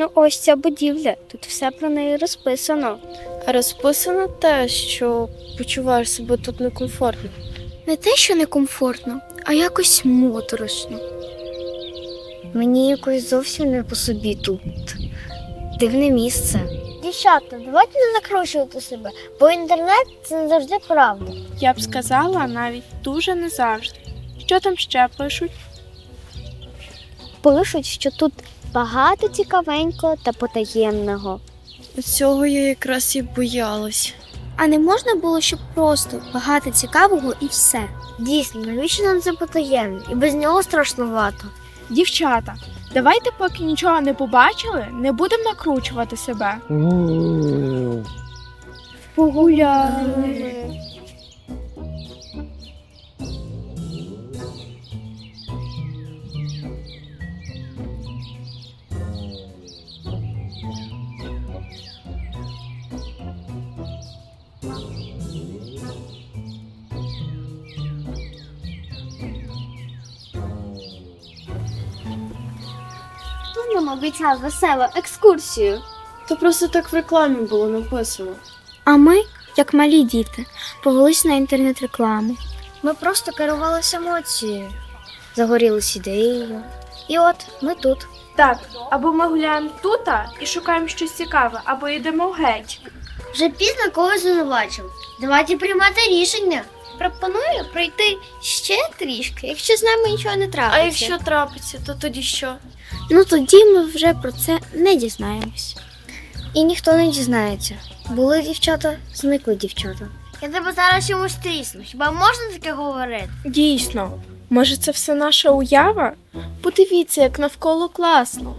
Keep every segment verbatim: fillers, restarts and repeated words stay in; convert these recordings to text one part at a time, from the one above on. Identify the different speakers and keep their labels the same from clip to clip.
Speaker 1: ось ця будівля. Тут все про неї розписано.
Speaker 2: А розписано те, що почуваєш себе тут некомфортно.
Speaker 1: Не те, що некомфортно, а якось моторошно. Мені якось зовсім не по собі тут. Дивне місце. Дівчата, давайте не накручувати себе, бо інтернет – це не завжди правда.
Speaker 2: Я б сказала, навіть дуже не завжди. Що там ще пишуть?
Speaker 1: Пишуть, що тут багато цікавенького та потаємного.
Speaker 2: Цього я якраз і боялась.
Speaker 1: А не можна було, щоб просто багато цікавого і все? Дійсно, навіщо нам це потаємне? І без нього страшнувато.
Speaker 2: Дівчата, давайте поки нічого не побачили, не будемо накручувати себе.
Speaker 1: Погуляли. Хто нам обіцяв веселу екскурсію?
Speaker 2: То просто так в рекламі було написано.
Speaker 1: А ми, як малі діти, повелись на інтернет-рекламу. Ми просто керувалися емоцією, загорілись ідеєю. І от ми тут.
Speaker 2: Так, або ми гуляємо тут і шукаємо щось цікаве, або йдемо геть.
Speaker 1: Вже пізно когось звинувачив. Давайте приймати рішення. Пропоную пройти ще трішки, якщо з нами нічого не трапиться.
Speaker 2: А якщо трапиться, то тоді що?
Speaker 1: Ну тоді ми вже про це не дізнаємось. І ніхто не дізнається. Були дівчата, зникли дівчата. Я тебе зараз чомусь трісну. Хіба можна таке говорити?
Speaker 2: Дійсно, може це все наша уява? Подивіться, як навколо класно.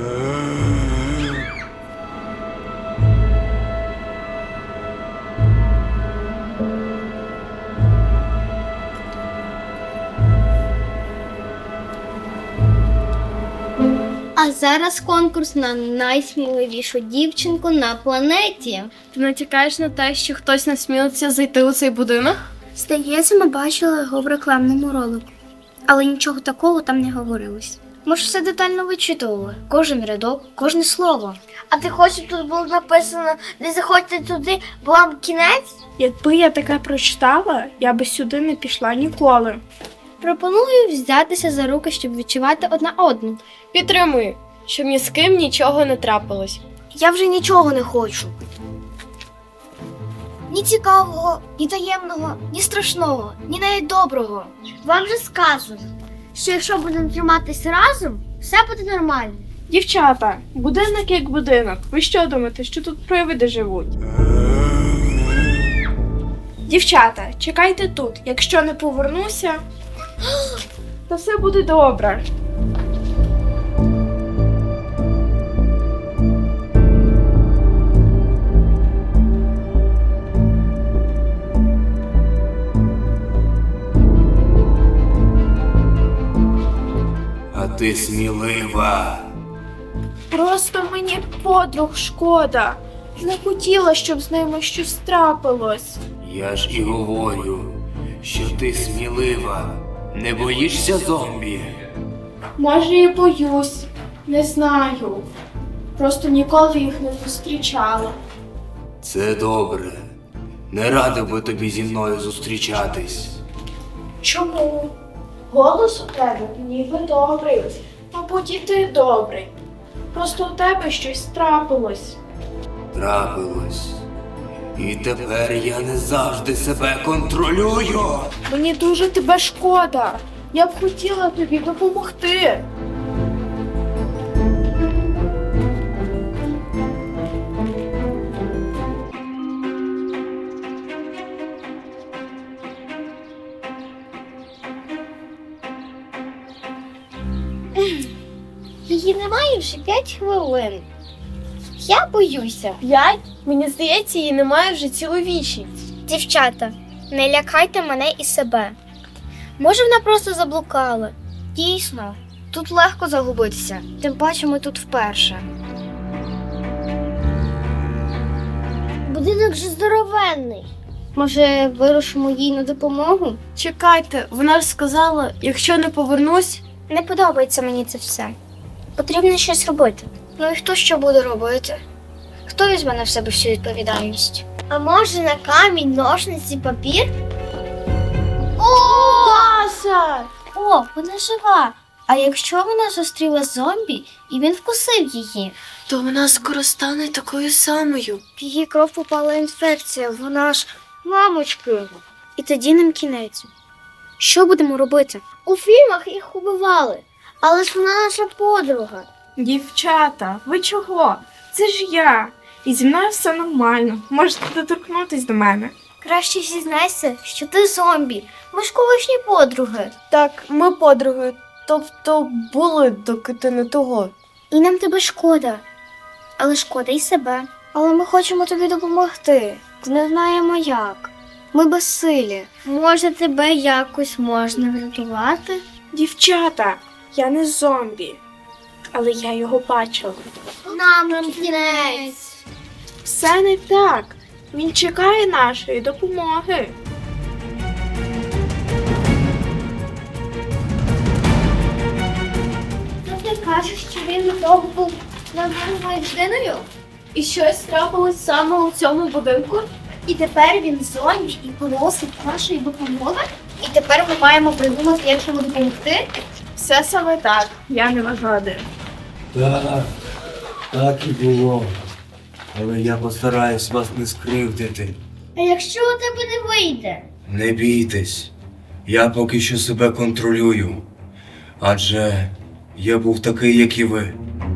Speaker 1: А зараз конкурс на найсміливішу дівчинку на планеті.
Speaker 2: Ти натякаєш на те, що хтось насмілиться зайти у цей будинок?
Speaker 1: Здається, ми бачили його в рекламному ролику. Але нічого такого там не говорилось. Ми ж все детально вичитували. Кожен рядок, кожне слово. А ти хочеш, щоб тут було написано, не заходьте туди, бо вам кінець?
Speaker 2: Якби я таке прочитала, я би сюди не пішла ніколи.
Speaker 1: Пропоную взятися за руки, щоб відчувати одна одну.
Speaker 2: Підтримую, щоб ні з ким нічого не трапилось.
Speaker 1: Я вже нічого не хочу. Ні цікавого, ні таємного, ні страшного, ні навіть доброго. Вам же сказано, що якщо будемо триматися разом, все буде нормально.
Speaker 2: Дівчата, будинок як будинок. Ви що думаєте, що тут привиди живуть? Дівчата, чекайте тут. Якщо не повернуся, то все буде добре.
Speaker 3: А ти смілива.
Speaker 2: Просто мені подруг шкода. Не хотіла, щоб з ними щось трапилось.
Speaker 3: Я ж і говорю, що ти смілива. Не боїшся зомбі?
Speaker 2: Може, і боюсь. Не знаю. Просто ніколи їх не зустрічала.
Speaker 3: Це добре. Не радив би тобі зі мною зустрічатись.
Speaker 2: Чому? Голос у тебе ніби добрий. Мабуть, і ти добрий. Просто у тебе щось трапилось.
Speaker 3: Трапилось. І тепер я не завжди себе контролюю.
Speaker 2: Мені дуже тебе шкода. Я б хотіла тобі допомогти.
Speaker 1: Її немає вже п'ять хвилин. Я боюся.
Speaker 2: П'ять? Мені здається, її немає вже цілу вічність.
Speaker 1: Дівчата, не лякайте мене і себе. Може, вона просто заблукала. Дійсно, тут легко загубитися. Тим паче ми тут вперше. Будинок же здоровенний. Може, вирушимо їй на допомогу?
Speaker 2: Чекайте, вона ж сказала, якщо не повернусь.
Speaker 1: Не подобається мені це все. Потрібно щось робити. Ну і хто що буде робити? Хто візьме на себе всю відповідальність? А може на камінь, ножниці, папір? О!
Speaker 2: Маса!
Speaker 1: О, вона жива. А якщо вона зустріла зомбі і він вкусив її?
Speaker 2: То вона скоро стане такою самою.
Speaker 1: В її кров попала інфекція, вона ж мамочки. І тоді нам кінець. Що будемо робити? У фільмах їх убивали, але ж вона наша подруга.
Speaker 4: Дівчата, ви чого? Це ж я. І зі мною все нормально. Можете доторкнутись до мене.
Speaker 1: Краще зізнайся, що ти зомбі. Ми ж колишні подруги.
Speaker 2: Так, ми подруги. Тобто були, доки ти не того.
Speaker 1: І нам тебе шкода. Але шкода й себе. Але ми хочемо тобі допомогти. Не знаємо як. Ми безсилі. Може, тебе якось можна врятувати?
Speaker 4: Дівчата, я не зомбі. Але я його бачила.
Speaker 1: Нам кінець.
Speaker 4: Все не так. Він чекає нашої допомоги.
Speaker 1: То ти кажеш, що він вдома був нормальною людиною?
Speaker 2: І щось трапилось саме у цьому будинку?
Speaker 1: І тепер він зомбі і просить нашої допомоги? І тепер ми маємо придумати, як йому допомогти?
Speaker 4: Все саме так. Я не вигадую.
Speaker 5: Так, так і було. Але я постараюсь вас не скривдити.
Speaker 1: А якщо у тебе не вийде?
Speaker 5: Не бійтесь. Я поки що себе контролюю. Адже я був такий, як і ви.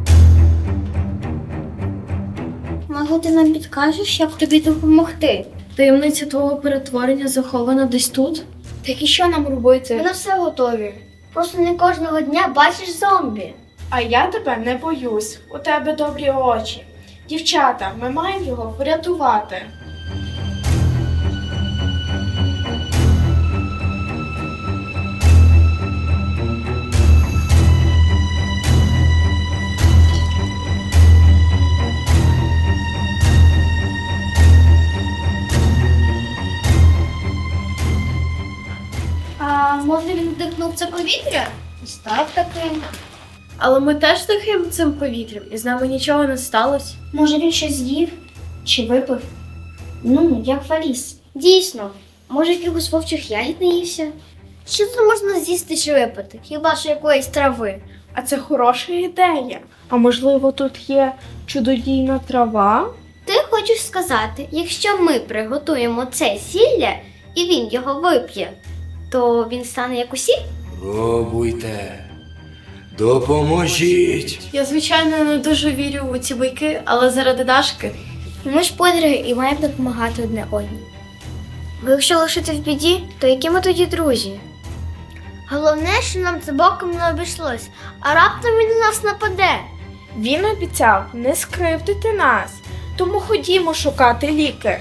Speaker 1: Може, ти нам підкажеш, як тобі допомогти?
Speaker 2: Таємниця твого перетворення захована десь тут? Так і що нам робити?
Speaker 1: Ми на все готові. Просто не кожного дня бачиш зомбі.
Speaker 4: А я тебе не боюсь. У тебе добрі очі. Дівчата, ми маємо його врятувати.
Speaker 1: А може він вдихнув це повітря? Став таким.
Speaker 2: Але ми теж дихаємо цим повітрям, і з нами нічого не сталося.
Speaker 1: Може він щось з'їв? Чи випив? Ну, як Фаліс. Дійсно, може якихось вовчих ягід наївся? Що тут можна з'їсти чи випити? Хіба що якоїсь трави?
Speaker 4: А це хороша ідея. А можливо, тут є чудодійна трава?
Speaker 1: Ти хочеш сказати, якщо ми приготуємо це зілля і він його вип'є, то він стане як усі?
Speaker 5: Пробуйте. Допоможіть.
Speaker 2: Я, звичайно, не дуже вірю у ці байки, але заради Дашки.
Speaker 1: Ми ж подруги і маємо допомагати одне одній. Бо якщо лишити в біді, то які ми тоді друзі? Головне, що нам це боком не обійшлось, а раптом він на нас нападе.
Speaker 4: Він обіцяв не скривдити нас. Тому ходімо шукати ліки.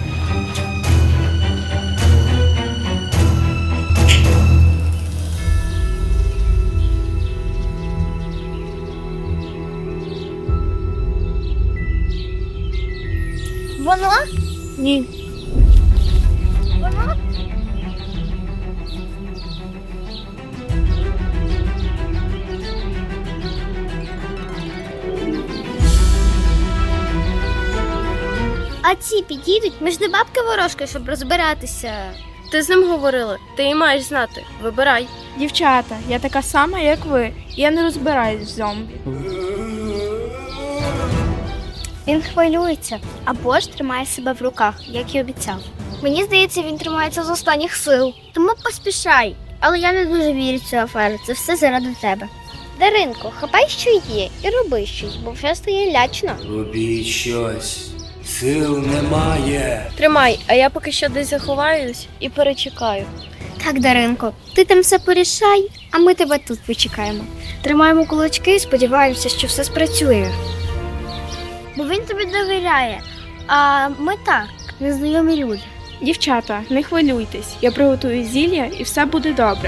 Speaker 1: Воно?
Speaker 4: Ні.
Speaker 1: Воно? А ці підійдуть? Ми ж не бабка ворожка, щоб розбиратися.
Speaker 2: Ти з ним говорила, ти і маєш знати. Вибирай.
Speaker 4: Дівчата, я така сама, як ви. Я не розбираюсь в зомбі.
Speaker 1: Він хвилюється або ж тримає себе в руках, як і обіцяв. Мені здається, він тримається з останніх сил. Тому поспішай. Але я не дуже вірю в цю аферу. Це все заради тебе. Даринко, хапай, що є, і роби щось, бо вже стає лячно.
Speaker 5: Робіть щось. Сил немає.
Speaker 2: Тримай, а я поки що десь заховаюсь і перечекаю.
Speaker 1: Так, Даринко, ти там все порішай, а ми тебе тут почекаємо. Тримаємо кулачки і сподіваємося, що все спрацює. Бо він тобі довіряє, а ми так, незнайомі люди.
Speaker 4: Дівчата, не хвилюйтесь. Я приготую зілля і все буде добре.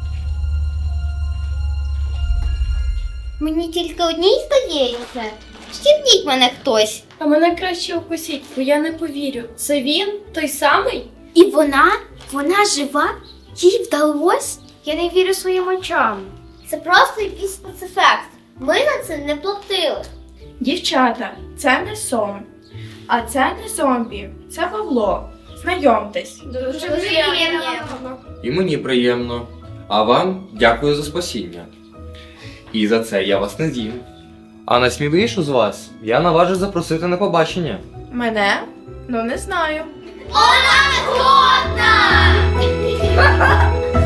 Speaker 1: Мені тільки одній здається. Стібніть мене хтось.
Speaker 2: А мене краще укусіть, бо я не повірю. Це він той самий?
Speaker 1: І вона? Вона жива? Їй вдалось? Я не вірю своїм очам. Це просто якийсь спецефект. Ми на це не платили.
Speaker 4: Дівчата, це не сон. А це не зомбі, це Павло. Знайомтесь.
Speaker 2: Дуже
Speaker 1: приємно.
Speaker 6: І мені приємно. А вам дякую за спасіння. І за це я вас не з'їм. А найсміливішу з вас я наважу запросити на побачення.
Speaker 4: Мене? Ну не знаю.
Speaker 1: Вона не годна!